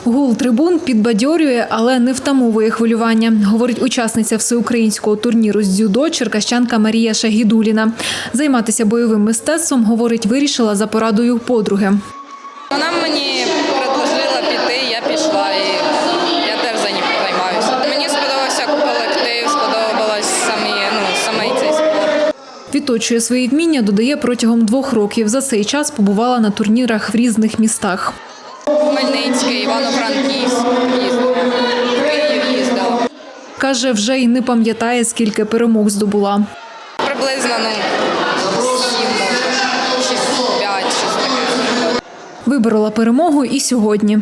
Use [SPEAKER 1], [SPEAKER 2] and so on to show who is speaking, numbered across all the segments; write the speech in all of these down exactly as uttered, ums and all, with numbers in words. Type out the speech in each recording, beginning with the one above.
[SPEAKER 1] Гул трибун підбадьорює, але не втамовує хвилювання, говорить учасниця всеукраїнського турніру з дзюдо черкащанка Марія Шагідуліна. Займатися бойовим мистецтвом, говорить, вирішила за порадою подруги.
[SPEAKER 2] Вона мені предложила піти, я пішла і я теж займаюся. Мені сподобався колектив, сподобалось самі, ну, саме цей спорт.
[SPEAKER 1] Відточує свої вміння, додає, протягом двох років. За цей час побувала на турнірах в різних містах.
[SPEAKER 2] Хмельницький, Івано-Франківськ їздила, в Київ їздила.
[SPEAKER 1] Каже, вже й не пам'ятає, скільки перемог здобула.
[SPEAKER 2] Приблизно, ну, сім, може, шість, п'ять, щось таке.
[SPEAKER 1] Виборола перемогу і сьогодні.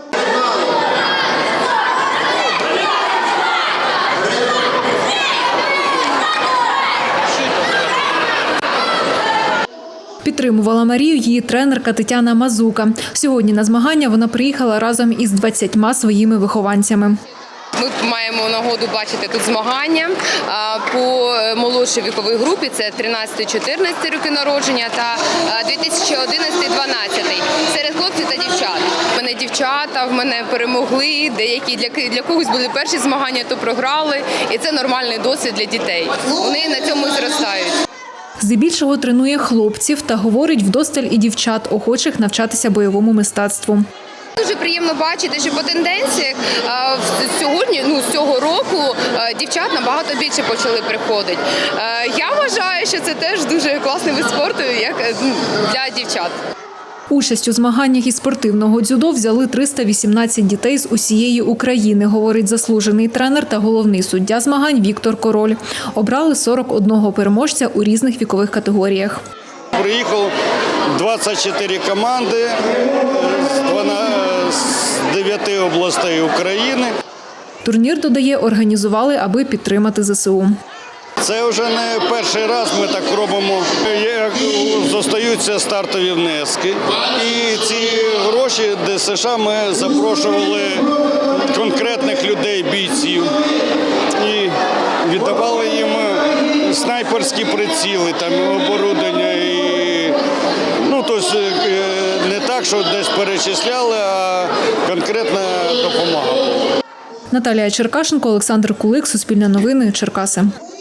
[SPEAKER 1] Підтримувала Марію її тренерка Тетяна Мазука. Сьогодні на змагання вона приїхала разом із двадцятьма своїми вихованцями.
[SPEAKER 3] Ми маємо нагоду бачити тут змагання по молодшій віковій групі, це тринадцять-чотирнадцять роки народження та дві тисячі одинадцятий - дванадцятий серед хлопців та дівчат. У мене дівчата, в мене перемогли, деякі для, для когось були перші змагання, то програли, і це нормальний досвід для дітей. Вони на цьому і зростають.
[SPEAKER 1] Здебільшого тренує хлопців та говорить вдосталь і дівчат, охочих навчатися бойовому мистецтву.
[SPEAKER 3] Дуже приємно бачити, що по тенденціях сьогодні, ну, з цього року дівчат набагато більше почали приходити. Я вважаю, що це теж дуже класний вид спорту, як для дівчат.
[SPEAKER 1] Участь у змаганнях із спортивного дзюдо взяли триста вісімнадцять дітей з усієї України, говорить заслужений тренер та головний суддя змагань Віктор Король. Обрали сорок одного переможця у різних вікових категоріях.
[SPEAKER 4] Приїхало двадцять чотири команди з дев'яти областей України.
[SPEAKER 1] Турнір, додає, організували, аби підтримати зе се у.
[SPEAKER 4] Це вже не перший раз ми так робимо, як зостаються стартові внески. І ці гроші де ес ша ми запрошували конкретних людей, бійців. І віддавали їм снайперські приціли, там, оборудовання. І, ну, тобто, не так, що десь перечисляли, а конкретна допомога.
[SPEAKER 1] Наталія Черкашенко, Олександр Кулик, Суспільне новини, Черкаси.